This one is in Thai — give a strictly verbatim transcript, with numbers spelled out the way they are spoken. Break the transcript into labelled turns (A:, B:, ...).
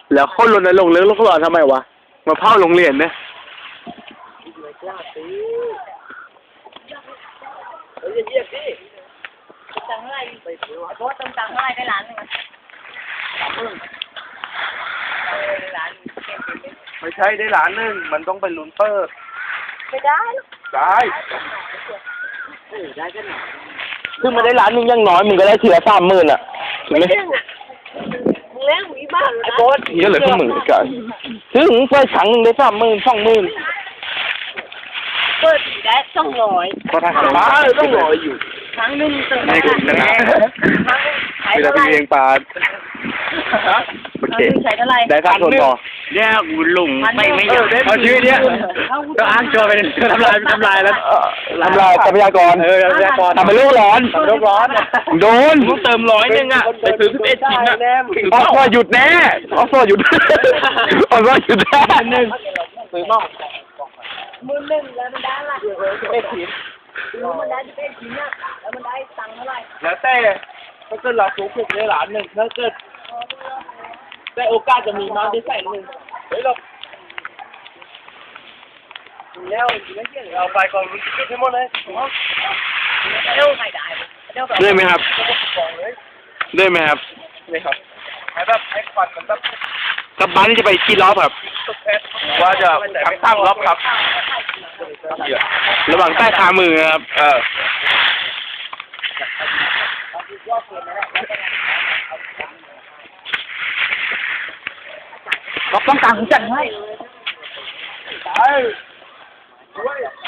A: แล้วคนรณรงค์เรื่องโลกร้อนทำไมวะมาเผาโรงเรียนเนี่ย
B: เฮ้ยเยี่ยมดิตังอะไรไปซื้อวะโต๊ะตังตังอะไรได้ล้านหนึ่งมั้ยเออล้านไม่ใช่ได้ล้านหนึ่งมันต้องเป็นลุ้นเปิดไม่ได้ได้เออได้ก็หน่อย
A: ซึ่งมาได้ล้านหนึงยังน้อยมึงก็ได้ทีละสามหมื่นอ่ะถูกไหม
B: มึงเลี้ยงหวีบ้านไอ้โบ๊ท
A: ก็เหลือแค่หมื่นกันซึ่งเปิดครั้งหนึ่งได้สามหมื่นสองหมื่น
B: เปิดได้สองร้อย
A: ก็ทำบ้าต้องรออยู่
B: ครั้งหนึ่งเติม
A: ไม่กดชนะ
B: ใช้
A: เวลา
B: เท่า
A: ไป
B: ไหร่
A: เลี้ยงปลาโอเค
B: ใช้เท่าไหร่
A: ได้ค่าทนต่อ
C: เนี่ยกูหลงไม่ไม่อยาก
A: เอาชื่อเนี้ย
C: ก็อ้างโจเป็นทำลายทำลายแล้ว
A: ทำลายทรัพยากร
C: เออทรัพยากร
A: ทำเป็นโลกร้อน
C: ทำโลกร้อน
A: โดน
C: มึงเติมร้อยหนึงอ่ะไปซื้อสิบเอ็ดชิ้นอ่ะ
A: ออฟว่าหยุดแน่ออฟว่าหยุดออฟว่าหยุดแน่หนึ่ง
C: ซื้อมั่ง
B: มือหนึ่งแล้วมันได้ละเอ็ดชิ้นแล้วมันได้สิบเอ็ดชิ้นอ่ะแล้วมันได้ตังค์เท่าไหร่
C: แล้วแต่ถ้าเกิดเราถูกถูกได้ล้านหนึ่งถ้าเกิดแต่โอกาสจะมีมากที่แสนหนึ่งเฮ้ยเราแล้วเราไปก่อนรู้สึกให้หมดเลย
B: เดี๋ยวไม่ได้เดี๋ยว
A: ได้ไหมครับได้ไหมครับ
C: นี่ครับให้แบบให้ควันมันแบบ
A: กลับบ้านนี่จะไปกี่รอบครับ
C: ว่าจะทั้งสามรอบครับ
A: ระหว่างใต้ขามือครับเออ
B: ก็ต้องตังค์จัดให้
C: ไป